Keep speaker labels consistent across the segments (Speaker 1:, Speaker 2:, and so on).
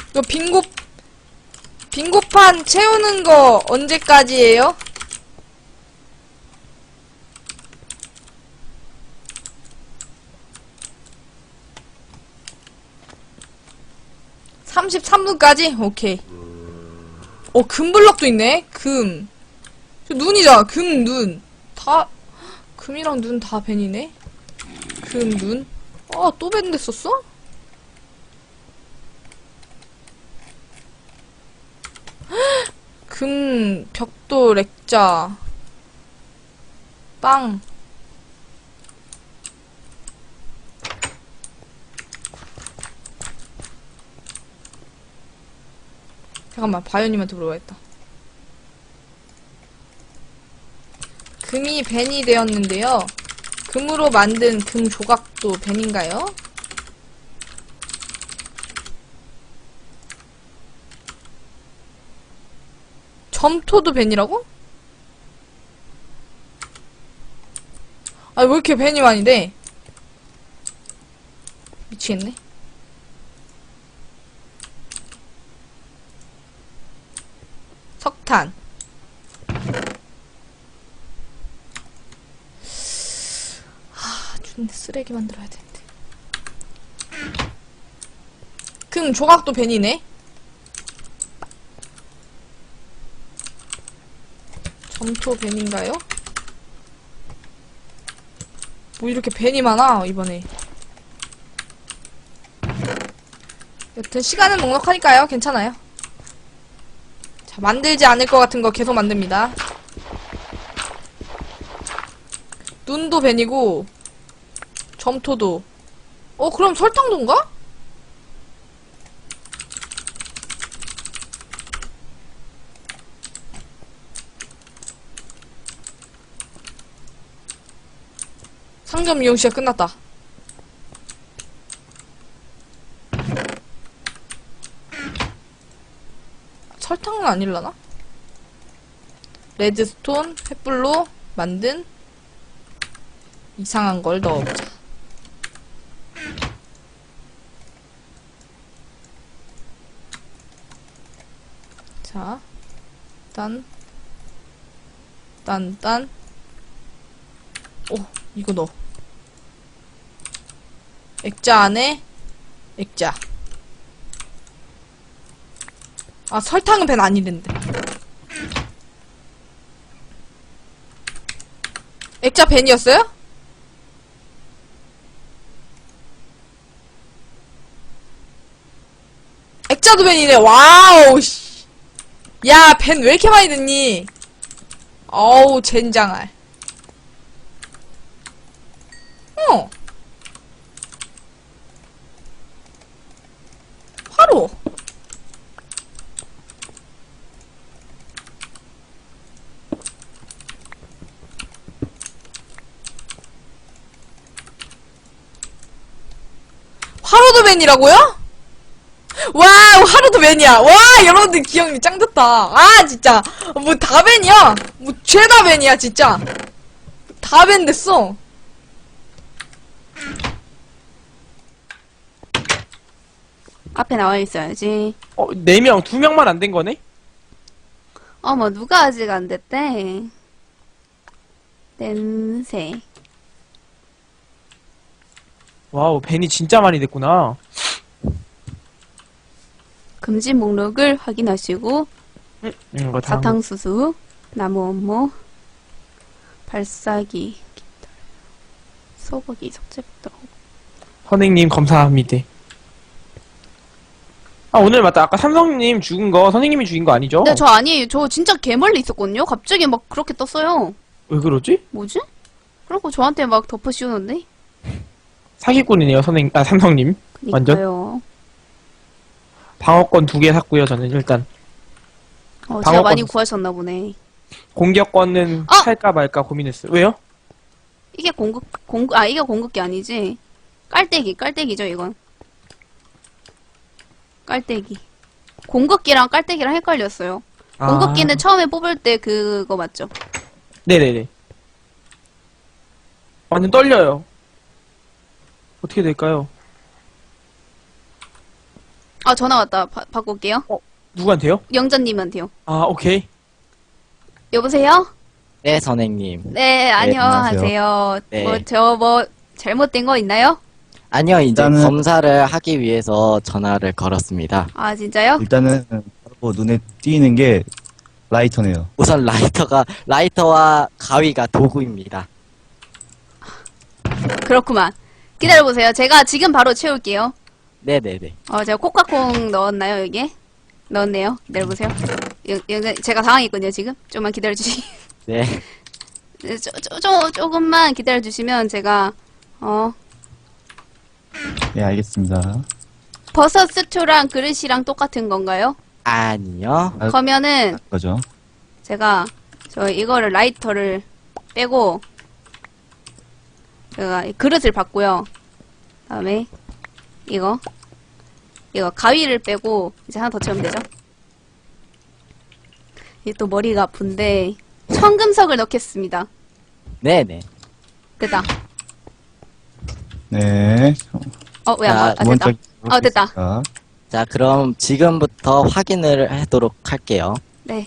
Speaker 1: 이거 빙고판 채우는 거 언제까지예요? (33분까지) 오케이. 금블럭도 있네. 금. 저 눈이잖아. 금, 눈. 다 금이랑 눈 다 벤이네. 금, 눈. 또 벤 됐었어? 금, 벽돌, 액자, 빵. 잠깐만, 바이오님한테 물어봐야겠다. 금이 벤이 되었는데요. 금으로 만든 금 조각도 벤인가요? 점토도 벤이라고? 아, 왜 이렇게 벤이 많이 돼? 미치겠네. 석탄. 준내 쓰레기 만들어야 되는데. 금 조각도 벤이네. 점토 벤인가요? 뭐 이렇게 벤이 많아 이번에. 여튼 시간은 넉넉하니까요. 괜찮아요. 자, 만들지 않을 것 같은 거 계속 만듭니다. 눈도 벤이고 점토도. 그럼 설탕도인가? 상점 이용 시간 끝났다. 설탕은 아닐라나? 레드스톤, 횃불로 만든 이상한 걸 넣어보자. 자, 딴. 이거 넣어. 액자 안에 액자. 설탕은 벤 아니랜데. 액자 벤이었어요? 액자도 벤이네. 와우, 씨. 야, 벤 왜 이렇게 많이 듣니? 어우, 젠장할. 화로. 화로도 벤이라고요? 와, 하루도 벤이야. 와, 여러분들 기억력 짱 좋다. 진짜. 뭐 다 벤이야. 뭐 죄다 벤이야, 진짜. 다 벤 됐어.
Speaker 2: 앞에 나와 있어야지.
Speaker 3: 4명, 2명만 안 된 거네?
Speaker 2: 뭐 누가 아직 안 됐대. 냄새.
Speaker 3: 와우, 벤이 진짜 많이 됐구나.
Speaker 2: 금지 목록을 확인하시고
Speaker 3: 이거 다
Speaker 2: 사탕수수, 나무 업무, 발사기, 소고기, 석재부터.
Speaker 3: 선생님 감사합니다. 오늘 맞다. 아까 삼성님 죽은 거 선생님이 죽인 거 아니죠?
Speaker 2: 네, 저 아니에요. 저 진짜 개멀리 있었거든요. 갑자기 막 그렇게 떴어요.
Speaker 3: 왜 그러지?
Speaker 2: 뭐지? 그리고 저한테 막 덮어 씌우는데?
Speaker 3: 사기꾼이네요, 삼성님. 완전.
Speaker 2: 그니까요.
Speaker 3: 방어권 2개 샀고요, 저는 일단.
Speaker 2: 진짜
Speaker 3: 방어권
Speaker 2: 많이 구하셨나 보네.
Speaker 3: 공격권은 살까 말까 고민했어요. 왜요?
Speaker 2: 이게 이게 공급기 아니지? 깔때기죠, 이건. 깔때기. 공급기랑 깔때기랑 헷갈렸어요. 공급기는 처음에 뽑을 때 그거 맞죠?
Speaker 3: 네네네. 완전 떨려요. 어떻게 될까요?
Speaker 2: 아, 전화 왔다. 바꿀게요.
Speaker 3: 누구한테요?
Speaker 2: 영자님한테요.
Speaker 3: 아, 오케이.
Speaker 2: 여보세요?
Speaker 4: 네, 선생님.
Speaker 2: 네, 안녕하세요.
Speaker 4: 네.
Speaker 2: 잘못된 거 있나요?
Speaker 4: 아니요, 이제
Speaker 5: 일단은-
Speaker 4: 검사를 하기 위해서 전화를 걸었습니다.
Speaker 2: 아, 진짜요?
Speaker 5: 일단은 바로 눈에 띄는 게 라이터네요.
Speaker 4: 우선 라이터와 가위가 도구입니다.
Speaker 2: 그렇구만. 기다려보세요. 제가 지금 바로 채울게요.
Speaker 4: 네네네.
Speaker 2: 제가 코카콩 넣었나요, 여기에? 넣었네요. 기다려보세요. 제가 당황했거든요, 지금. 좀만 기다려주시.
Speaker 4: 네.
Speaker 2: 조금만 기다려주시면 제가,
Speaker 5: 네, 알겠습니다.
Speaker 2: 버섯 스튜랑 그릇이랑 똑같은 건가요?
Speaker 4: 아니요.
Speaker 5: 아,
Speaker 2: 그러면은,
Speaker 5: 그거죠.
Speaker 2: 제가, 이거를 라이터를 빼고, 제가 이 그릇을 받고요. 다음에, 이거 가위를 빼고, 이제 하나 더 채우면 되죠? 이게 또 머리가 아픈데, 청금석을 넣겠습니다.
Speaker 4: 네네.
Speaker 2: 됐다.
Speaker 5: 네.
Speaker 2: 왜 안
Speaker 4: 자,
Speaker 2: 봐? 됐다. 됐다.
Speaker 5: 됐다.
Speaker 4: 자, 그럼 지금부터 확인을 하도록 할게요.
Speaker 2: 네.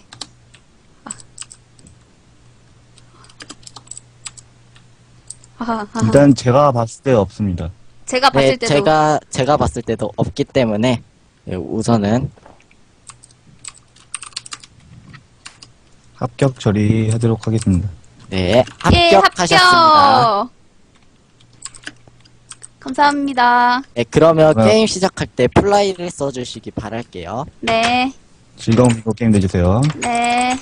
Speaker 5: 일단 제가 봤을 때 없습니다.
Speaker 2: 제가 봤을
Speaker 4: 네,
Speaker 2: 때도
Speaker 4: 제가 봤을 때도 없기 때문에 우선은
Speaker 5: 합격 처리하도록 하겠습니다.
Speaker 4: 네,
Speaker 2: 예,
Speaker 4: 합격하셨습니다.
Speaker 2: 합격. 감사합니다.
Speaker 4: 네, 그러면
Speaker 5: 네.
Speaker 4: 게임 시작할 때 플라이를 써주시기 바랄게요.
Speaker 2: 네.
Speaker 5: 즐거운 비고 게임 되주세요.
Speaker 2: 네.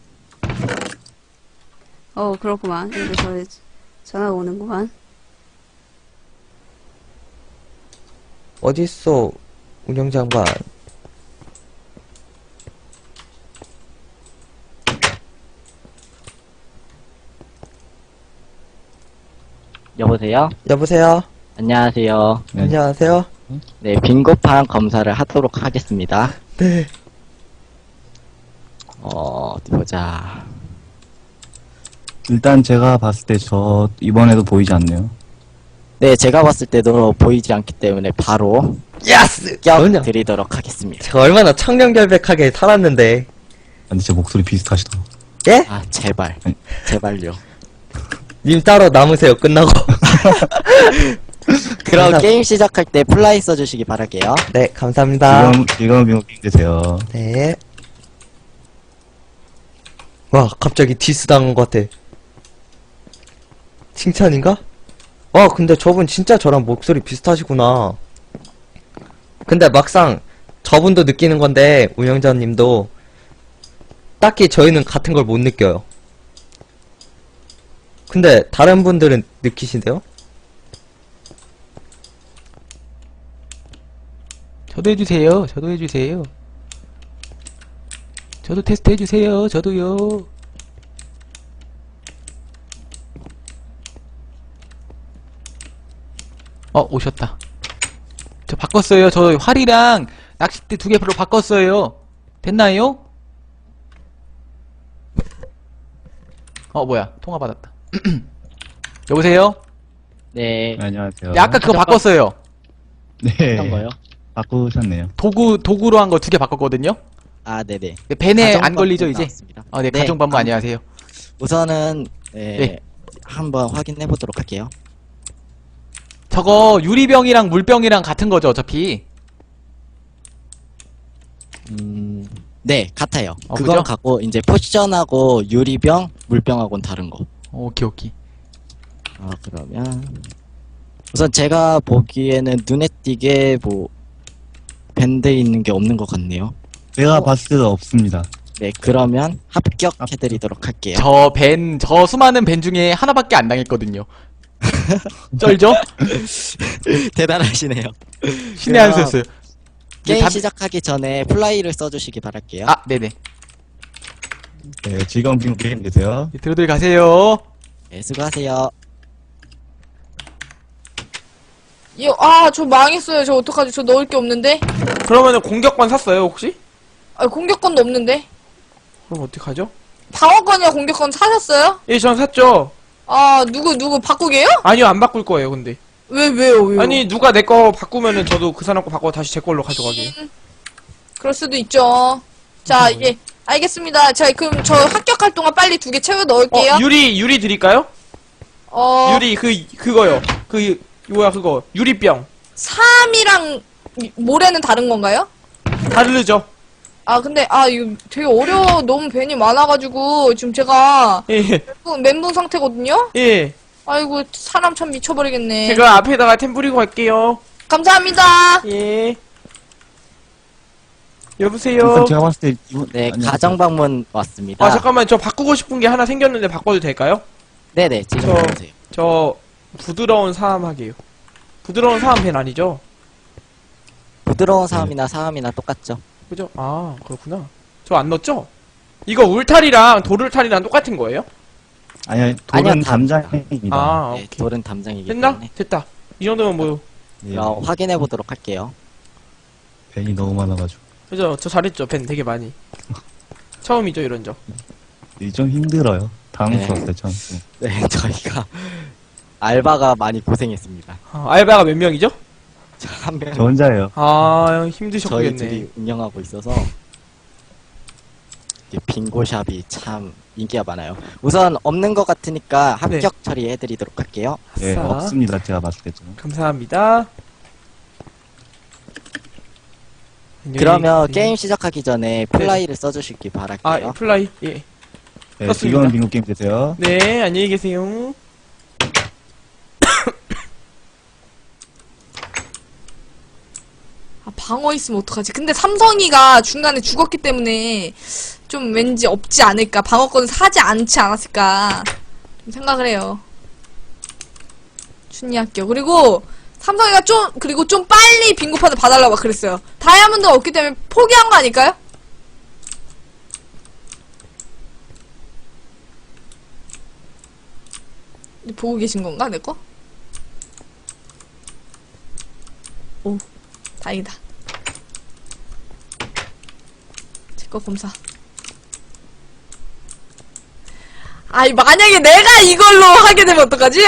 Speaker 2: 그렇구만. 여기서 전화가 오는구만.
Speaker 6: 어딨어, 운영장관.
Speaker 4: 여보세요?
Speaker 6: 여보세요?
Speaker 4: 안녕하세요.
Speaker 5: 네.
Speaker 6: 안녕하세요?
Speaker 4: 네, 빈고판 검사를 하도록 하겠습니다.
Speaker 6: 네.
Speaker 4: 어디 보자.
Speaker 5: 일단 제가 봤을 때 저 이번에도 보이지 않네요.
Speaker 4: 네, 제가 봤을 때도 보이지 않기 때문에 바로
Speaker 6: 야스!
Speaker 4: 합격
Speaker 6: 그럼요.
Speaker 4: 드리도록 하겠습니다.
Speaker 6: 제가 얼마나 청렴결백하게 살았는데.
Speaker 5: 근데 제 목소리 비슷하시다.
Speaker 6: 예?
Speaker 4: 아, 제발.
Speaker 5: 아니.
Speaker 4: 제발요.
Speaker 6: 님 따로 남으세요, 끝나고.
Speaker 4: 그럼
Speaker 6: 감사-
Speaker 4: 게임 시작할 때 플라이 써주시기 바랄게요.
Speaker 6: 네, 감사합니다.
Speaker 5: 즐거운 비고 게임 되세요.
Speaker 6: 네. 와, 갑자기 디스 당한 것 같아. 칭찬인가? 와, 근데 저분 진짜 저랑 목소리 비슷하시구나. 근데 막상 저분도 느끼는 건데, 운영자님도 딱히 저희는 같은 걸 못 느껴요. 근데 다른 분들은 느끼신대요?
Speaker 7: 저도 해주세요. 저도 해주세요. 저도 테스트 해주세요. 저도요. 오셨다. 저 바꿨어요. 저 활이랑 낚싯대 2개로 바꿨어요. 됐나요? 뭐야. 통화 받았다. 여보세요?
Speaker 4: 네.
Speaker 5: 안녕하세요.
Speaker 7: 네, 아까 그거 바꿨어요.
Speaker 5: 네.
Speaker 4: 어떤 거요?
Speaker 5: 바꾸셨네요.
Speaker 7: 도구로 한 거 2개 바꿨거든요?
Speaker 4: 아, 네네.
Speaker 7: 네, 벤에 안
Speaker 4: 가정법도
Speaker 7: 걸리죠, 이제?
Speaker 4: 나왔습니다.
Speaker 7: 네, 가정반부 안녕하세요.
Speaker 4: 우선은
Speaker 7: 네.
Speaker 4: 한번 확인해 보도록 할게요.
Speaker 7: 저거 유리병이랑 물병이랑 같은 거죠, 어차피.
Speaker 4: 네, 같아요.
Speaker 7: 그죠?
Speaker 4: 그건 같고 이제 포션하고 유리병, 물병하고는 다른 거.
Speaker 7: 오케이, 오케이.
Speaker 4: 그러면 우선 제가 보기에는 눈에 띄게 밴드 있는 게 없는 것 같네요.
Speaker 5: 제가 봤을 때도 없습니다.
Speaker 4: 네, 그러면 합격해드리도록 할게요.
Speaker 7: 저 수많은 벤 중에 하나밖에 안 당했거든요. 쩔죠?
Speaker 4: 대단하시네요.
Speaker 7: 신의 한 수였어요.
Speaker 4: 게임
Speaker 7: 답-
Speaker 4: 시작하기 전에 플라이를 써주시기 바랄게요.
Speaker 7: 네네.
Speaker 5: 네, 즐거운 비고 게임 되세요.
Speaker 7: 들어들 가세요.
Speaker 4: 네, 수고하세요.
Speaker 1: 저 망했어요. 저 어떡하지? 저 넣을 게 없는데?
Speaker 3: 그러면은 공격권 샀어요, 혹시?
Speaker 1: 공격권도 없는데?
Speaker 3: 그럼 어떡하죠?
Speaker 1: 방어권이야, 공격권 사셨어요?
Speaker 3: 예, 전 샀죠.
Speaker 1: 누구 바꾸게요?
Speaker 3: 아니요, 안 바꿀 거예요, 근데.
Speaker 1: 왜요?
Speaker 3: 아니 누가 내 거 바꾸면은 저도 그 사람 거 바꿔 다시 제 걸로 가져가게요.
Speaker 1: 그럴 수도 있죠. 자, 예. 알겠습니다. 자, 그럼 저 합격할 동안 빨리 2개 채워 넣을게요.
Speaker 3: 유리 드릴까요? 유리 그거요. 뭐야 그거 유리병.
Speaker 1: 3이랑 모래는 다른 건가요?
Speaker 3: 다르죠?
Speaker 1: 아, 근데, 이거 되게 어려워. 너무 벤이 많아가지고, 지금 제가
Speaker 3: 예.
Speaker 1: 멘붕 상태거든요?
Speaker 3: 예.
Speaker 1: 아이고, 사람 참 미쳐버리겠네.
Speaker 3: 제가 앞에다가 템 뿌리고 갈게요.
Speaker 1: 감사합니다.
Speaker 3: 예. 여보세요.
Speaker 5: 일단 제가 봤을 때 이분
Speaker 4: 네,
Speaker 5: 안녕하세요.
Speaker 4: 가정방문 왔습니다.
Speaker 3: 아 잠깐만 저 바꾸고 싶은 게 하나 생겼는데 바꿔도 될까요?
Speaker 4: 네네, 지금
Speaker 3: 저-
Speaker 4: 보세요.
Speaker 3: 저 부드러운 사암 하게요. 부드러운 사암 펜 아니죠?
Speaker 4: 부드러운 사람이나 사람이나 똑같죠.
Speaker 3: 그죠? 아 그렇구나. 저 안 넣었죠? 이거 울타리랑 돌울타리랑 똑같은 거예요?
Speaker 5: 아니요, 돌은
Speaker 4: 아니요,
Speaker 5: 담장입니다.
Speaker 3: 아
Speaker 4: 네,
Speaker 3: 오케이.
Speaker 4: 돌은 담장이기
Speaker 3: 됐나?
Speaker 4: 때문에.
Speaker 3: 됐다. 이 정도면 뭐
Speaker 5: 네,
Speaker 4: 그럼 확인해 보도록 할게요.
Speaker 5: 벤이 너무 많아가지고
Speaker 3: 그죠? 저 잘했죠. 펜 되게 많이. 처음이죠 이런 적.
Speaker 5: 이게 좀 힘들어요. 당황스러웠어요, 전.
Speaker 4: 네, 저희가 알바가 많이 고생했습니다.
Speaker 3: 알바가 몇 명이죠?
Speaker 4: 한 명.
Speaker 5: 저 혼자예요.
Speaker 3: 아
Speaker 4: 저희
Speaker 3: 힘드셨겠네.
Speaker 4: 둘이 운영하고 있어서 이게 빙고샵이 참 인기가 많아요. 우선 없는 것 같으니까 합격 처리해드리도록 할게요.
Speaker 5: 예,
Speaker 3: 아싸.
Speaker 5: 없습니다. 제가 봤을 때 좀.
Speaker 3: 감사합니다.
Speaker 4: 그러면
Speaker 3: 네.
Speaker 4: 게임 시작하기 전에 플라이를 써주시기 바랄게요.
Speaker 3: 아 플라이 예.
Speaker 5: 네,
Speaker 3: 떴습니다.
Speaker 5: 즐거운 빙고 게임 되세요.
Speaker 3: 네 안녕히 계세요.
Speaker 1: 방어 있으면 어떡하지? 근데 삼성이가 중간에 죽었기 때문에 좀 왠지 없지 않을까? 방어권을 사지 않지 않았을까? 좀 생각을 해요. 춘리 합격. 그리고 삼성이가 그리고 좀 빨리 빙고판을 봐달라고 막 그랬어요. 다이아몬드가 없기 때문에 포기한 거 아닐까요? 보고 계신 건가, 내 거? 오, 다행이다. 제 거 검사. 아이, 만약에 내가 이걸로 하게 되면 어떡하지?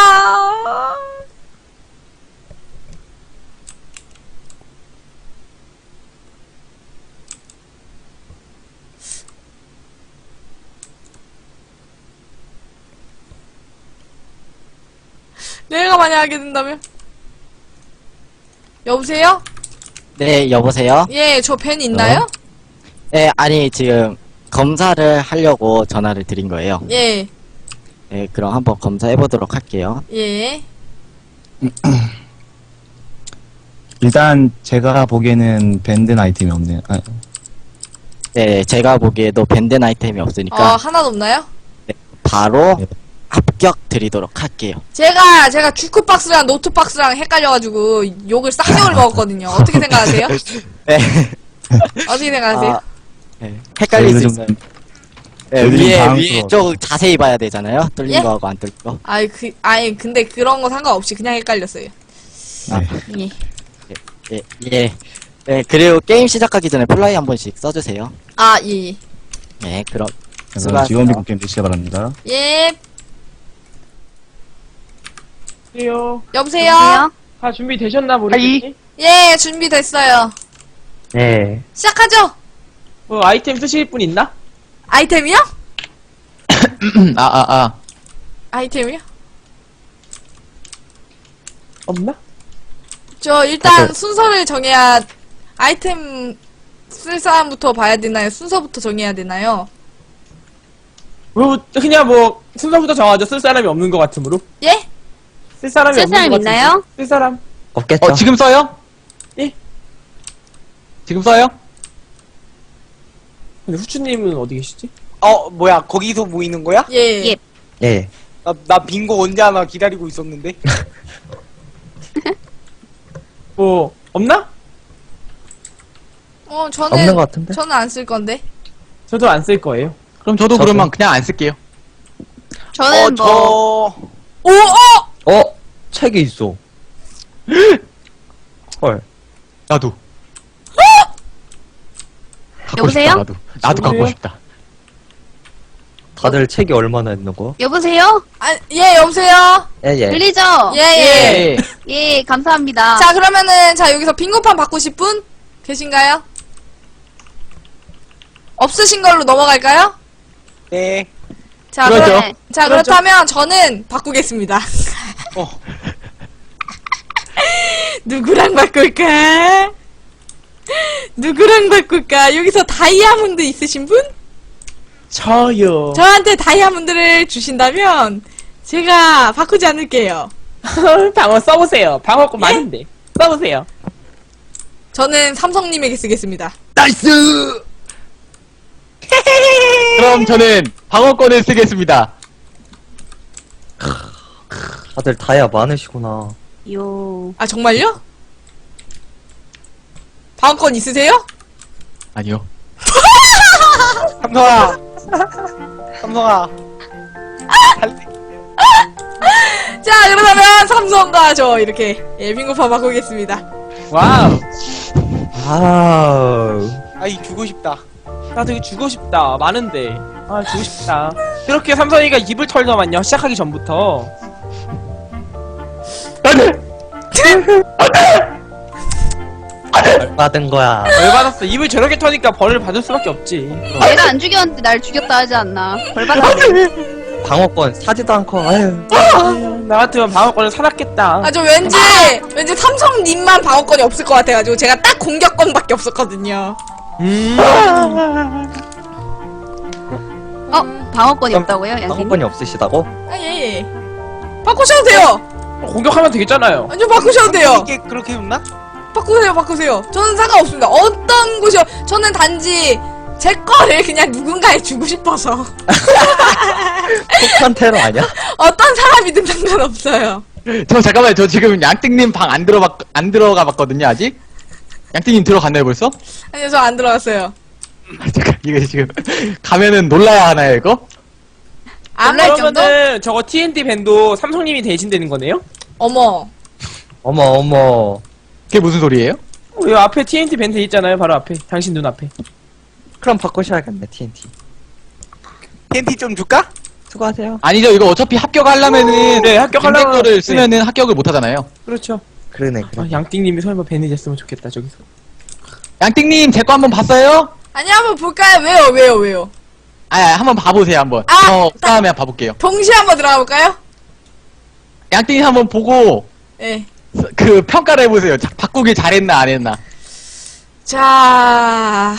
Speaker 1: 내가 만약 하게 된다면? 여보세요?
Speaker 4: 네, 여보세요?
Speaker 1: 예, 저 펜 있나요?
Speaker 4: 네, 아니, 지금 검사를 하려고 전화를 드린 거예요.
Speaker 1: 예,
Speaker 4: 네, 그럼 한번 검사해보도록 할게요.
Speaker 1: 예.
Speaker 5: 일단 제가 보기에는 밴드 아이템이 없네요. 아,
Speaker 4: 네, 제가 보기에도 밴드 아이템이 없으니까
Speaker 1: 하나도 없나요?
Speaker 4: 바로
Speaker 5: 네.
Speaker 4: 합격 드리도록 할게요.
Speaker 1: 제가 주크박스랑 노트박스랑 헷갈려가지고 욕을 쌍욕을 먹었거든요. 어떻게 생각하세요?
Speaker 4: 네.
Speaker 1: 어떻게 생각하세요?
Speaker 4: 아, 네. 헷갈릴 수
Speaker 5: 저희도
Speaker 4: 있어요.
Speaker 5: 좀-
Speaker 4: 네,
Speaker 5: 저희도 좀
Speaker 4: 위에
Speaker 5: 당황스러워요.
Speaker 4: 쪽 자세히 봐야 되잖아요. 뚫린
Speaker 1: 예?
Speaker 4: 거하고 안 뚫린 거.
Speaker 1: 근데 그런 거 상관없이 그냥 헷갈렸어요.
Speaker 5: 네.
Speaker 1: 예.
Speaker 4: 예. 네, 그리고 게임 시작하기 전에 플라이 한 번씩 써주세요.
Speaker 1: 예.
Speaker 4: 네, 그럼
Speaker 5: 그럼
Speaker 4: 수고하세요.
Speaker 5: 즐거운 빙고 게임 되시기 바랍니다.
Speaker 1: 예.
Speaker 3: 안녕하세요.
Speaker 1: 여보세요?
Speaker 3: 다 준비 되셨나 모르겠지?
Speaker 1: 예, 준비됐어요.
Speaker 3: 네.
Speaker 1: 시작하죠?
Speaker 3: 뭐 아이템 쓰실 분 있나?
Speaker 1: 아이템이요? 아이템이요?
Speaker 3: 없나?
Speaker 1: 저 일단 순서를 정해야 아이템 쓸 사람부터 봐야 되나요? 순서부터 정해야 되나요?
Speaker 3: 그냥 뭐 순서부터 정하죠. 쓸 사람이 없는 것 같으므로.
Speaker 1: 예?
Speaker 3: 쓸 사람이
Speaker 2: 쓸
Speaker 3: 없는
Speaker 2: 사람
Speaker 3: 것
Speaker 2: 있나요?
Speaker 3: 같으므로. 쓸 사람.
Speaker 6: 없겠죠?
Speaker 7: 지금 써요?
Speaker 3: 예.
Speaker 7: 지금 써요?
Speaker 3: 근데 후추님은 어디 계시지?
Speaker 8: 뭐야, 거기서 모이는 거야?
Speaker 1: 예.
Speaker 2: 예.
Speaker 6: 예.
Speaker 8: 나 빙고 언제 하나 기다리고 있었는데?
Speaker 3: 뭐 없나?
Speaker 6: 없는 것 같은데?
Speaker 1: 저는 안 쓸 건데.
Speaker 3: 저도 안 쓸 거예요.
Speaker 7: 그럼 저도
Speaker 6: 저도.
Speaker 7: 그러면 그냥 안 쓸게요.
Speaker 2: 저는 뭐
Speaker 6: 어? 책이 있어. 헐.
Speaker 7: 나도. 갖고
Speaker 2: 여보세요?
Speaker 7: 싶다, 나도 갖고
Speaker 3: 여보세요?
Speaker 7: 싶다.
Speaker 6: 다들 책이 얼마나 있는 거?
Speaker 2: 여보세요?
Speaker 1: 아, 예, 여보세요?
Speaker 6: 예.
Speaker 2: 들리죠?
Speaker 1: 예, 예.
Speaker 2: 예, 감사합니다.
Speaker 1: 자, 그러면은, 자, 여기서 빙고판 바꾸실 분? 계신가요? 없으신 걸로 넘어갈까요?
Speaker 8: 네.
Speaker 1: 자,
Speaker 7: 그렇죠.
Speaker 2: 네.
Speaker 1: 자, 그렇다면 저는 바꾸겠습니다.
Speaker 8: 어.
Speaker 1: 누구랑 바꿀까? 누구랑 바꿀까? 여기서 다이아몬드 있으신 분?
Speaker 3: 저요.
Speaker 1: 저한테 다이아몬드를 주신다면 제가 바꾸지 않을게요.
Speaker 3: 방어 써보세요. 방어권 많은데. 써보세요.
Speaker 1: 저는 삼성님에게 쓰겠습니다.
Speaker 3: 나이스!
Speaker 7: 그럼 저는 방어권을 쓰겠습니다.
Speaker 6: 다들 다이아 많으시구나.
Speaker 2: 요.
Speaker 1: 아, 정말요? 방어권 있으세요?
Speaker 7: 아니요.
Speaker 8: 삼성아. 삼성아.
Speaker 1: 자, 그러면 삼성과 저 이렇게 예, 빙고판 바꾸겠습니다.
Speaker 3: 와우.
Speaker 6: 아우.
Speaker 8: 아이 주고 싶다.
Speaker 3: 나 되게 주고 싶다. 많은데. 아, 주고 싶다. 그렇게 삼성이가 입을 털더만요. 시작하기 전부터.
Speaker 6: 받은 거야.
Speaker 3: 벌 받았어. 입을 저렇게 터니까 벌을 받을 수밖에 없지.
Speaker 2: 내가 안 죽였는데 날 죽였다 하지 않나. 벌 받았네.
Speaker 6: 방어권 사지도 않고, 아유.
Speaker 3: 나 같으면 방어권을 사놨겠다.
Speaker 1: 아, 저 왠지 삼성님만 방어권이 없을 것 같아가지고 제가 딱 공격권밖에 없었거든요.
Speaker 2: 방어권이 없다고요, 양팀?
Speaker 6: 방어권이 없으시다고?
Speaker 1: 아, 예, 예. 바꾸셔도 돼요.
Speaker 3: 공격하면 되겠잖아요.
Speaker 1: 아니요, 바꾸셔도 돼요.
Speaker 8: 이게 그렇게 없나?
Speaker 1: 바꾸세요, 바꾸세요. 저는 상관없습니다. 어떤 곳이요. 저는 단지 제 거를 그냥 누군가에 주고 싶어서.
Speaker 6: 폭탄 테러 아니야?
Speaker 1: 어떤 사람이든 상관없어요.
Speaker 7: 저 잠깐만요. 저 지금 양띵님 방 안 들어가 봤거든요, 아직? 양띵님 들어갔나요, 벌써?
Speaker 1: 아니요, 저 안 들어갔어요.
Speaker 7: 잠깐, 이거 지금 가면은 놀라야 하나요, 이거?
Speaker 1: 안 할 정도?
Speaker 3: 그러면은 저거 TNT 밴도 삼성님이 대신되는 거네요?
Speaker 1: 어머.
Speaker 6: 어머.
Speaker 7: 그게 무슨 소리예요?
Speaker 3: 왜 앞에 TNT 밴드 있잖아요. 바로 앞에. 당신 눈 앞에.
Speaker 6: 그럼 바꾸셔야겠네, TNT.
Speaker 8: TNT 좀 줄까?
Speaker 6: 수고하세요.
Speaker 7: 아니죠, 이거 어차피 합격하려면은
Speaker 3: 네, 합격하려면-
Speaker 7: 거를
Speaker 3: 네.
Speaker 7: 쓰면은 합격을 못 하잖아요.
Speaker 3: 그렇죠.
Speaker 6: 그러네.
Speaker 3: 아, 양띵님이 설마 밴드 됐으면 좋겠다. 저기서.
Speaker 7: 양띵님 제 거 한번 봤어요?
Speaker 1: 아니, 한번 볼까요? 왜요?
Speaker 7: 한번 봐보세요, 한번.
Speaker 1: 아,
Speaker 7: 저 다음에 한번 봐볼게요.
Speaker 1: 동시에 한번 들어가 볼까요?
Speaker 7: 양띵님 한번 보고
Speaker 1: 예.
Speaker 7: 그 평가를 해보세요. 바꾸길 잘했나 안 했나.
Speaker 1: 자.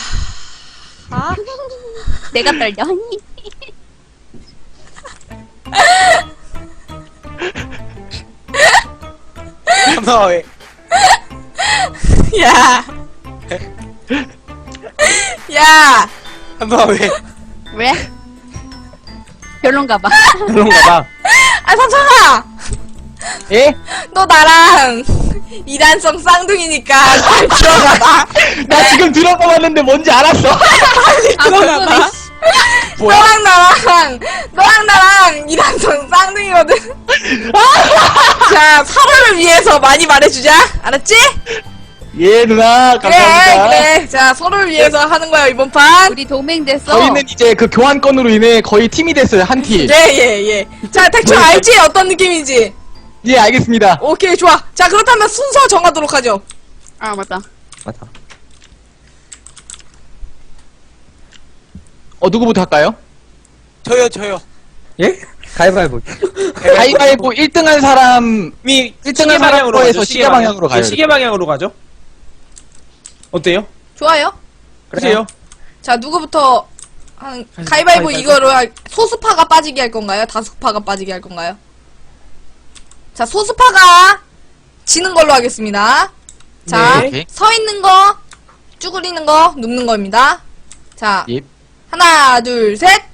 Speaker 2: 내가 떨려.
Speaker 8: 삼성아 왜?
Speaker 1: 야. 야.
Speaker 8: 삼성아 왜?
Speaker 2: 왜? 별론가 봐.
Speaker 3: 그런가 봐.
Speaker 1: 아, 삼성아.
Speaker 7: 예?
Speaker 1: 너 나랑 이단성 쌍둥이니까 잘 들어가봐.
Speaker 7: 나 지금 들어가 봤는데 뭔지 알았어.
Speaker 2: 아,
Speaker 1: 들어가봐.
Speaker 2: 그거네.
Speaker 7: 뭐야?
Speaker 1: 너랑 나랑 이단성 쌍둥이거든. 자, 서로를 위해서 많이 말해주자. 알았지?
Speaker 7: 예, 누나. 감사합니다.
Speaker 1: 그래. 자, 서로를 위해서 하는 거야, 이번 판.
Speaker 2: 우리 동맹 됐어.
Speaker 7: 저희는 이제 그 교환권으로 인해 거의 팀이 됐어요, 한 팀.
Speaker 1: 예. 자, 대충 알지? 어떤 느낌인지.
Speaker 7: 예, 알겠습니다.
Speaker 1: 오케이, 좋아. 자, 그렇다면 순서 정하도록 하죠.
Speaker 2: 아, 맞다.
Speaker 6: 맞아.
Speaker 7: 누구부터 할까요?
Speaker 8: 저요.
Speaker 3: 예?
Speaker 6: 가위바위보.
Speaker 7: 가위바위보 1등한 사람,
Speaker 3: 미
Speaker 7: 1등한 사람으로 해서
Speaker 3: 가죠,
Speaker 7: 시계 방향으로 가요.
Speaker 3: 네, 시계 방향으로 가죠. 어때요?
Speaker 1: 좋아요.
Speaker 3: 그래요.
Speaker 1: 자, 누구부터 가위바위보 이거로 소수파가 빠지게 할 건가요? 다수파가 빠지게 할 건가요? 자, 소수파가 지는 걸로 하겠습니다. 자,
Speaker 7: 네.
Speaker 1: 서 있는 거, 쭈그리는 거, 눕는 거입니다. 자,
Speaker 7: 예.
Speaker 1: 하나, 둘, 셋.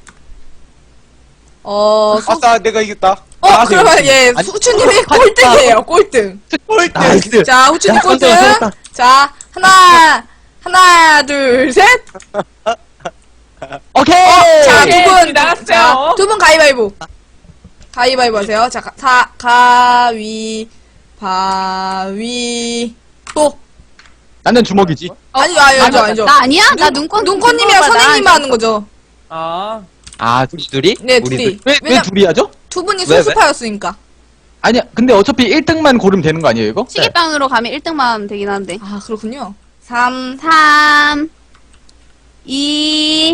Speaker 8: 아싸 내가 이겼다.
Speaker 1: 그러면 예,
Speaker 7: 아니,
Speaker 1: 후추님이 꼴등이에요, 꼴등.
Speaker 6: 나이스.
Speaker 1: 자, 후추님
Speaker 6: 야,
Speaker 1: 꼴등.
Speaker 6: 선생님,
Speaker 1: 자, 하나, 둘, 셋.
Speaker 7: 오케이!
Speaker 1: 자,
Speaker 3: 예,
Speaker 1: 두 분,
Speaker 3: 나갔어요.
Speaker 1: 자, 두 분 가위바위보. 가위바위보 하세요. 자, 가위바위보.
Speaker 7: 나는 주먹이지.
Speaker 1: 아니죠.
Speaker 2: 나 아니야? 나 눈꽃.
Speaker 1: 눈꽃님이랑
Speaker 2: 눈꽃 봐,
Speaker 1: 선생님만
Speaker 2: 나
Speaker 1: 하는 거죠.
Speaker 3: 아,
Speaker 7: 아,
Speaker 6: 둘이?
Speaker 1: 네,
Speaker 6: 우리
Speaker 1: 둘이.
Speaker 7: 왜
Speaker 1: 왜냐,
Speaker 7: 둘이 하죠?
Speaker 1: 두 분이
Speaker 6: 왜?
Speaker 1: 소수파였으니까.
Speaker 7: 아니야, 근데 어차피 1등만 고르면 되는 거 아니에요, 이거?
Speaker 2: 시계방으로 가면 1등만 하면 되긴 한데.
Speaker 1: 아, 그렇군요. 3.
Speaker 2: 3, 2,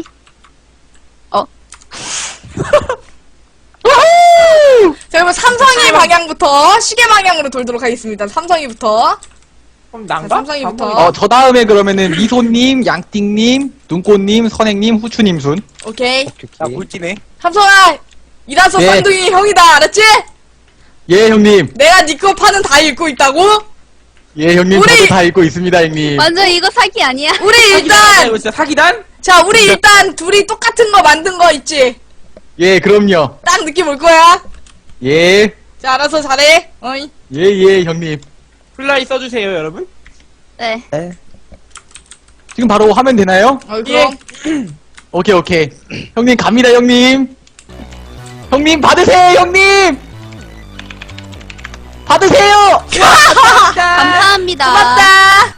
Speaker 1: 자, 그러면 삼성이 방향부터 시계 방향으로 돌도록 하겠습니다. 삼성이부터.
Speaker 3: 그럼
Speaker 1: 자,
Speaker 3: 난가?
Speaker 1: 삼성이부터.
Speaker 7: 저 다음에 그러면은 미소님, 양띵님, 눈꽃님, 선행님, 후추님 순.
Speaker 1: 오케이.
Speaker 8: 나 물티네.
Speaker 1: 삼성아, 이라서
Speaker 7: 예.
Speaker 1: 쌍둥이 형이다. 알았지?
Speaker 7: 예, 형님.
Speaker 1: 내가 니 거 파는 다 읽고 있다고?
Speaker 7: 예, 형님.
Speaker 1: 우리-
Speaker 7: 저도 다 읽고 있습니다, 형님.
Speaker 2: 완전 이거 사기 아니야?
Speaker 1: 우리
Speaker 3: 사기단!
Speaker 1: 일단,
Speaker 3: 진짜 사기단?
Speaker 1: 자, 우리 일단 둘이 똑같은 거 만든 거 있지?
Speaker 7: 예, 그럼요.
Speaker 1: 딱 느낌 올 거야.
Speaker 7: 예,
Speaker 1: 자, 알아서 잘해. 어이.
Speaker 7: 예, 형님.
Speaker 3: 플라이 써주세요, 여러분.
Speaker 2: 네.
Speaker 7: 지금 바로 하면 되나요?
Speaker 1: 그럼.
Speaker 7: 오케이. 형님, 갑니다, 형님. 형님, 받으세요, 형님! 받으세요!
Speaker 2: 감사합니다.
Speaker 1: 고맙다.